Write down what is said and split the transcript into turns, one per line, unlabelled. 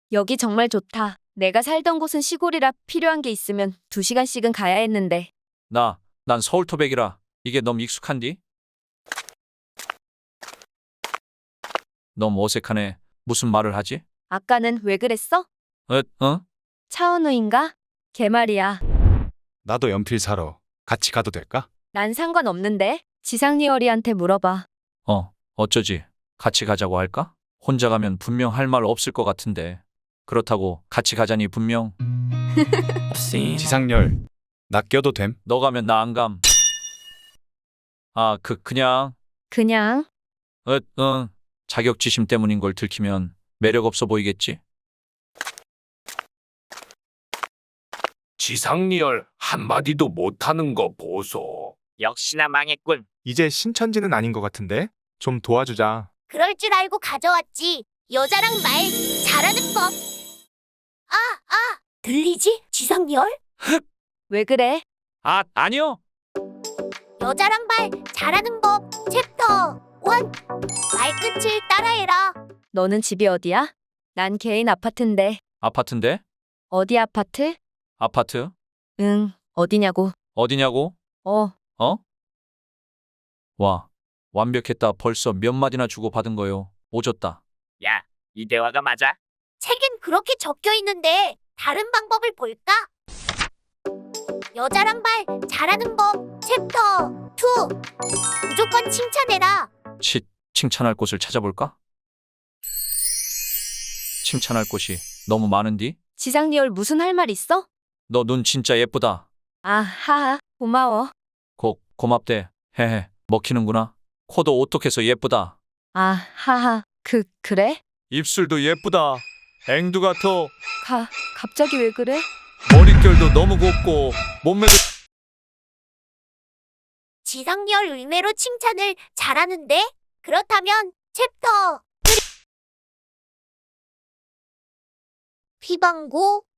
여기 정말 좋다. 내가 살던 곳은 시골이라 필요한 게 있으면 2시간씩은 가야 했는데.
난 서울 토백이라 이게 너무 익숙한디? 너무 어색하네. 무슨 말을 하지?
아까는 왜 그랬어?
어?
차은우인가? 걔 말이야.
나도 연필 사러 같이 가도 될까?
난 상관없는데. 지상리얼이한테 물어봐.
어쩌지? 같이 가자고 할까? 혼자 가면 분명 할 말 없을 것 같은데. 그렇다고 같이 가자니 분명
지상열, 나 껴도 됨?
너 가면 나 안 감. 그냥
그냥.
자격지심 때문인 걸 들키면 매력 없어 보이겠지?
지상리얼 한마디도 못하는 거 보소.
역시나 망했군.
이제 신천지는 아닌 것 같은데? 좀 도와주자.
그럴 줄 알고 가져왔지. 여자랑 말 잘하는 법. 들리지? 지상열?
왜 그래?
아니요.
여자랑 말 잘하는 법 챕터 1. 말끝을 따라해라.
너는 집이 어디야? 난 개인 아파트인데.
아파트인데?
어디 아파트?
아파트?
응, 어디냐고.
어디냐고?
어,
와, 완벽했다. 벌써 몇 마디나 주고받은 거요. 오졌다.
야, 이 대화가 맞아?
책엔 그렇게 적혀 있는데 다른 방법을 볼까? 여자랑 말 잘하는 법 챕터 2. 무조건 칭찬해라.
칭찬할 곳을 찾아볼까? 칭찬할 곳이 너무 많은디?
지상리얼 무슨 할 말 있어?
너 눈 진짜 예쁘다.
하하, 고마워.
고맙대. 헤헤, 먹히는구나. 코도 오똑해서 예쁘다.
하하, 그래?
입술도 예쁘다. 앵두 같어.
갑자기 왜 그래?
머릿결도 너무 곱고 몸매도
지상열 의외로 칭찬을 잘하는데? 그렇다면 챕터 3. 피방구